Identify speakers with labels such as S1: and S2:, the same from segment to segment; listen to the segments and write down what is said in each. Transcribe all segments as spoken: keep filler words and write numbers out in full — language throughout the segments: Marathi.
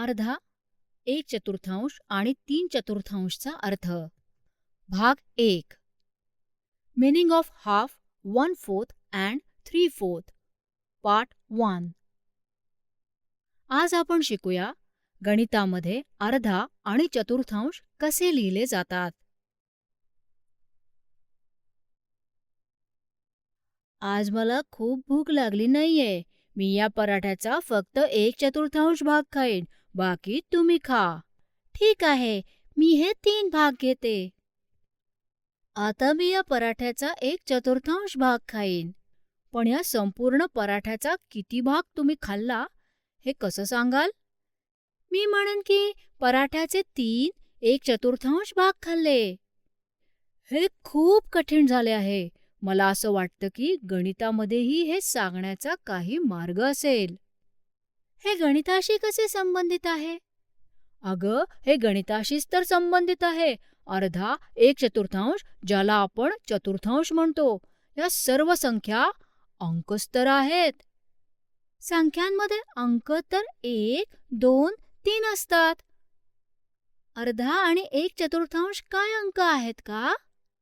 S1: अर्धा, एक चतुर्थांश आणि तीन चतुर्थांशचा अर्थ. भाग एक. Meaning of half, one fourth and three fourth. Part one. आज आपण शिकूया गणितामध्ये अर्धा आणि चतुर्थांश कसे लिहिले जातात. आज मला खूप भूक लागली नाहीये. मी या पराठ्याचा फक्त एक चतुर्थांश भाग खाईन, बाकी तुम्ही खा. ठीक आहे, मी हे तीन भाग घेते. आता मी या पराठ्याचा एक चतुर्थांश भाग खाईन. पण या संपूर्ण पराठ्याचा किती भाग तुम्ही खाल्ला हे कसं सांगाल? मी म्हणेन की पराठ्याचे तीन एक चतुर्थांश भाग खाल्ले. हे खूप कठीण झाले आहे. मला असं वाटतं की गणितामध्येही हे सांगण्याचा काही मार्ग असेल. हे गणिताशी कसे संबंधित आहे? अगं, हे गणिताशीच तर संबंधित आहे. अर्धा, एक चतुर्थांश, ज्याला आपण चतुर्थांश म्हणतो, या सर्व संख्या अंकच तर आहेत. संख्यांमध्ये अंक तर एक, दोन, तीन असतात. अर्धा आणि एक चतुर्थांश काय अंक आहेत का?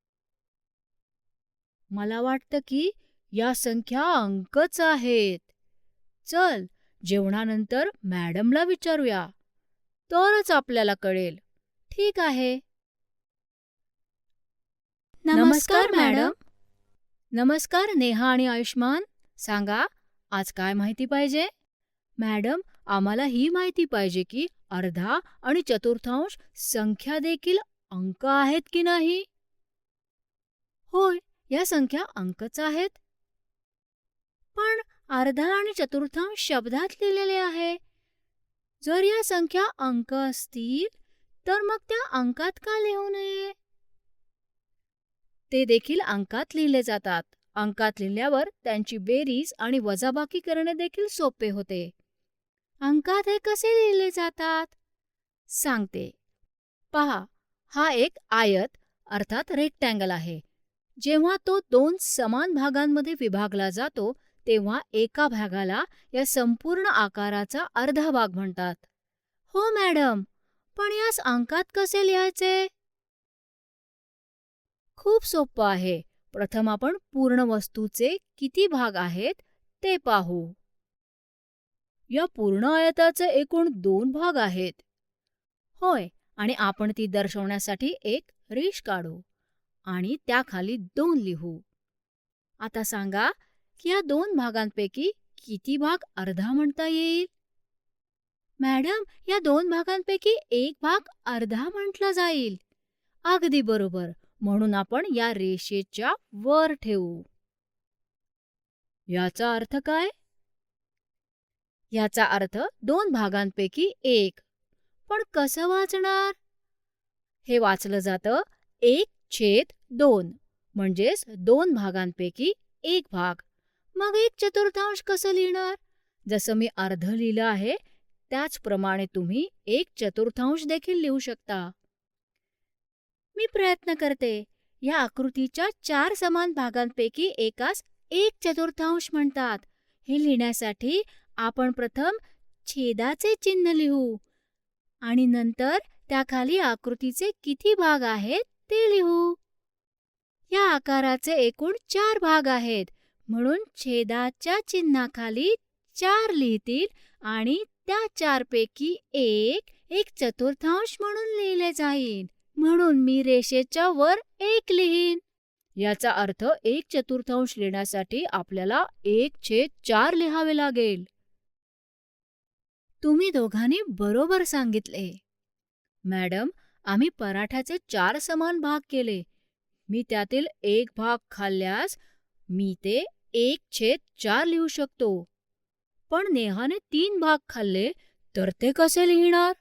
S1: मला वाटतं की या संख्या अंकच आहेत. चल, जेवणानंतर मॅडमला विचारूया, तरच आपल्याला कळेल. ठीक आहे. नमस्कार मॅडम. नमस्कार नेहा आणि आयुष्मान. सांगा, आज काय माहिती पाहिजे? मॅडम, आम्हाला ही माहिती पाहिजे की अर्धा आणि चतुर्थांश संख्या देखील अंक आहेत की नाही? होय, या संख्या अंकच आहेत. पण अर्धा आणि चतुर्थांश शब्दात लिहिलेले आहे. जर या संख्या अंक असतील तर मग त्या अंकात का लिहू नये? ते देखील अंकात लिहिले जातात. अंकात लिहिल्यावर त्यांची बेरीज आणि वजाबाकी करणे देखील सोपे होते. अंकात हे कसे लिहिले जातात? सांगते. पहा, हा एक आयत अर्थात रेक्टँगल आहे. जेव्हा तो दोन समान भागांमध्ये विभागला जातो तेव्हा एका भागाला या संपूर्ण आकाराचा अर्धा भाग म्हणतात. हो मॅडम, पण यास अंकात कसे लिहायचे? खूप सोपं आहे. प्रथम आपण पूर्ण वस्तूचे किती भाग आहेत ते पाहू. या पूर्ण आयताचे एकूण दोन भाग आहेत. होय, आणि आपण ती दर्शवण्यासाठी एक रेष काढू आणि त्याखाली दोन लिहू. आता सांगा की या दोन भागांपैकी किती भाग अर्धा म्हणता येईल? मॅडम, या दोन भागांपैकी एक भाग अर्धा म्हटला जाईल. अगदी बरोबर. म्हणून आपण या रेषेच्या वर ठेवू. याचा अर्थ काय? याचा अर्थ दोन भागांपैकी एक. पण कसं वाचणार? हे वाचलं जातं एक छेद दोन, म्हणजेच दोन भागांपैकी एक भाग. मग एक चतुर्थांश कसं लिहिणार? जसं मी अर्ध लिहिलं आहे त्याचप्रमाणे तुम्ही एक चतुर्थांश देखील लिहू शकता. मी प्रयत्न करते. या आकृतीच्या चार समान भागांपैकी एकास एक चतुर्थांश म्हणतात. हे लिहिण्यासाठी आपण प्रथम छेदाचे चिन्ह लिहू आणि नंतर त्याखाली आकृतीचे किती भाग आहेत ते लिहू. या आकाराचे एकूण चार भाग आहेत, म्हणून छेदाच्या चिन्हाखाली चार लिहितील आणि त्या चारपैकी एक एक चतुर्थांश म्हणून लिहिले जाईल. म्हणून मी रेषेच्या वर एक लिहीन. याचा अर्थ एक चतुर्थांश लिहिण्यासाठी आपल्याला एक छेद चार लिहावे लागेल. तुम्ही दोघांनी बरोबर सांगितले. मॅडम, आम्ही पराठ्याचे चार समान भाग केले. मी त्यातील एक भाग खाल्ल्यास मी ते एक छेद चार लिहू शकतो. पण नेहाने तीन भाग खाल्ले तर ते कसे लिहिणार?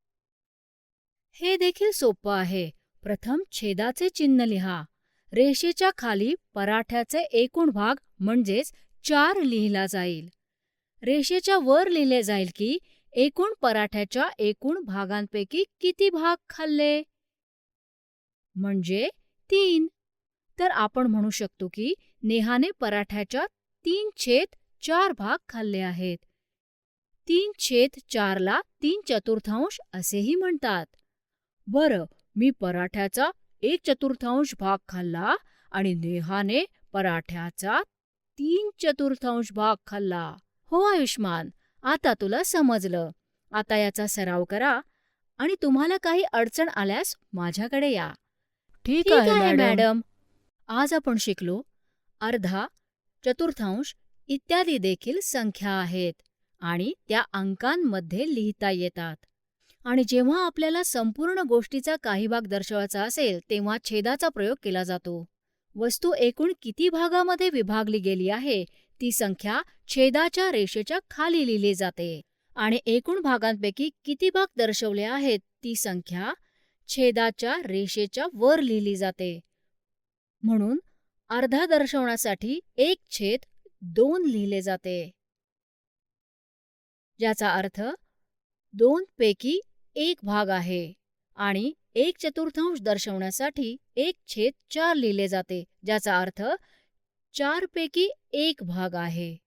S1: हे देखील सोपं आहे. प्रथम छेदाचे चिन्ह लिहा. रेषेच्या खाली पराठ्याचे एकूण भाग म्हणजेच चार लिहिला जाईल. रेषेच्या वर लिहिले जाईल की एकूण पराठ्याच्या एकूण भागांपैकी किती भाग खाल्ले, म्हणजे तीन. तर आपण म्हणू शकतो की नेहाने पराठ्याच्या तीन छेद चार भाग खाल्ले आहेत. तीन छेद चारला तीन चतुर्थांश असेही म्हणतात. बरं, मी पराठ्याचा एक चतुर्थांश भाग खाल्ला आणि नेहाने पराठ्याचा तीन चतुर्थांश भाग खाल्ला. हो आयुष्मान, आता तुला समजलं. आता याचा सराव करा आणि तुम्हाला काही अडचण आल्यास माझ्याकडे या.
S2: ठीक
S1: ठीक
S2: आहे
S1: आहे
S2: मॅडम.
S1: मॅडम. आज आपण शिकलो अर्धा, चतुर्थांश इत्यादी देखील संख्या आहेत आणि त्या अंकांमध्ये लिहिता येतात. आणि जेव्हा आपल्याला संपूर्ण गोष्टीचा काही भाग दर्शवायचा असेल तेव्हा छेदाचा प्रयोग केला जातो. वस्तू एकूण किती भागामध्ये विभागली गेली आहे ती संख्या छेदाच्या रेषेच्या खाली लिहिली जाते आणि एकूण भागांपैकी किती भाग दर्शवले आहेत ती संख्या छेदाच्या रेषेच्या वर लिहिली जाते. म्हणून अर्धा दर्शवण्यासाठी एक छेद दोन लिहिले जाते, ज्याचा अर्थ दोन पैकी एक भाग आहे. आणि एक चतुर्थांश दर्शवण्यासाठी एक छेद चार लिहिले जाते, ज्याचा अर्थ चार पैकी एक भाग आहे.